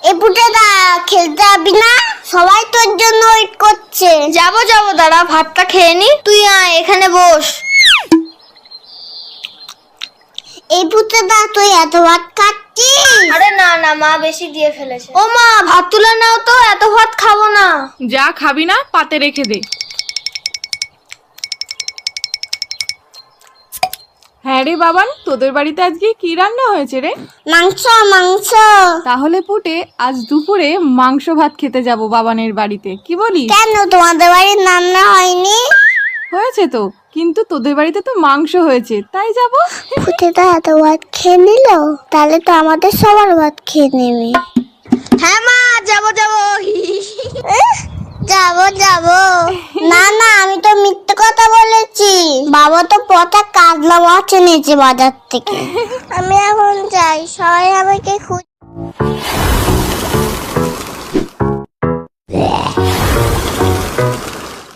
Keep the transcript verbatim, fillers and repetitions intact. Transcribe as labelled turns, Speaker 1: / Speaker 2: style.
Speaker 1: এ পুটেদা খেলতে যাবি না? সবাই তোর জন্য ওয়েট করছে।
Speaker 2: যাবো যাবো দাঁড়া, ভাতটা খেয়ে নি। তুই আয় এখানে বস।
Speaker 1: এই পুটেদা তুই এত ভাত খাচ্ছিস?
Speaker 2: আরে না না, মা বেশি দিয়ে ফেলেছে। ও মা, ভাত তুলে নাও তো, এত ভাত খাবো না।
Speaker 3: যা খাবি না পাতে রেখে দে। হ্যাঁ রে বাবান, তোদের বাড়িতে আজকে কি রান্না হয়েছে রে?
Speaker 1: মাংস মাংস।
Speaker 3: তাহলে পুটে আজ দুপুরে মাংস ভাত খেতে যাব বাবানের বাড়িতে, কি বলিস?
Speaker 1: কেন তোমাদের বাড়ির রান্না হয়নি?
Speaker 3: হয়েছে তো, কিন্তু তোদের বাড়িতে তো মাংস হয়েছে, তাই যাব।
Speaker 1: পুটেদা এত ভাত খেয়ে নিল, তাহলে তো আমাদের সবার ভাত খেয়ে নেবে।
Speaker 2: হ্যাঁ মা, যাবো যাবো।
Speaker 1: যাবো যাবো। না না, আমি তো মিথ্যে কথা বলেছি। বাবা তো পচা কাতলা মাছ এনেছে বাজার থেকে। আমি এখন যাই, সবাই আমাকে খুব